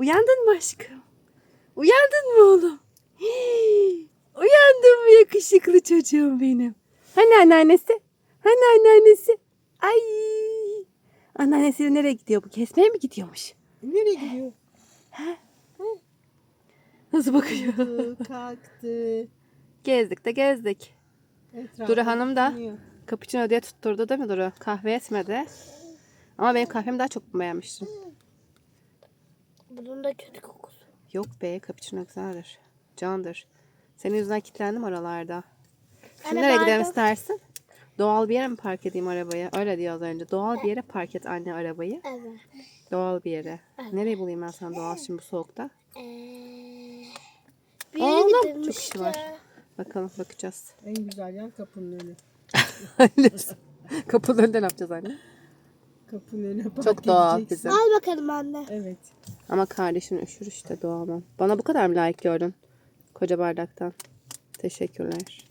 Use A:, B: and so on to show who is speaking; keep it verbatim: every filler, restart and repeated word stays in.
A: Uyandın mı aşkım? Uyandın mı oğlum? Hii, uyandın mı yakışıklı çocuğum benim? Hani anneannesi? Hani anneannesi? Ay. Anneannesi nereye gidiyor bu? Kesmeye mi gidiyormuş?
B: Nereye gidiyor?
A: Nasıl bakıyor?
B: Uyudu, kalktı.
A: Gezdik de gezdik.
B: Etrafı
A: Duru Hanım da
B: düşünüyor.
A: cappuccino diye tutturdu değil mi Duru? Kahve etmedi. Ama benim kahvemi daha çok beğenmiştim.
C: Bunun da kötü kokusu.
A: Yok be, cappuccino güzeldir. Candır. Senin yüzünden kilitlendim oralarda. Şimdi
C: Anne,
A: nereye gidelim
C: pardon.
A: istersin? Doğal bir yere mi park edeyim arabayı? Öyle diyor az önce. Doğal bir yere park et anne arabayı.
C: Evet.
A: Doğal bir yere. Nereyi bulayım ben sana doğal şimdi bu soğukta?
C: Ee, bir yere
A: Oğlum,
C: gidelim
A: çok işi
C: işte.
A: var. Bakalım, bakacağız.
B: En güzel yer kapının önü.
A: Kapının önünde ne yapacağız anne?
B: Kapının önüne park
A: Çok doğal
B: edeceksin.
A: bizim.
C: Al bakalım anne.
B: Evet.
A: Ama kardeşin üşür işte, doğal. Bana bu kadar mı layık gördün? Koca bardaktan. Teşekkürler.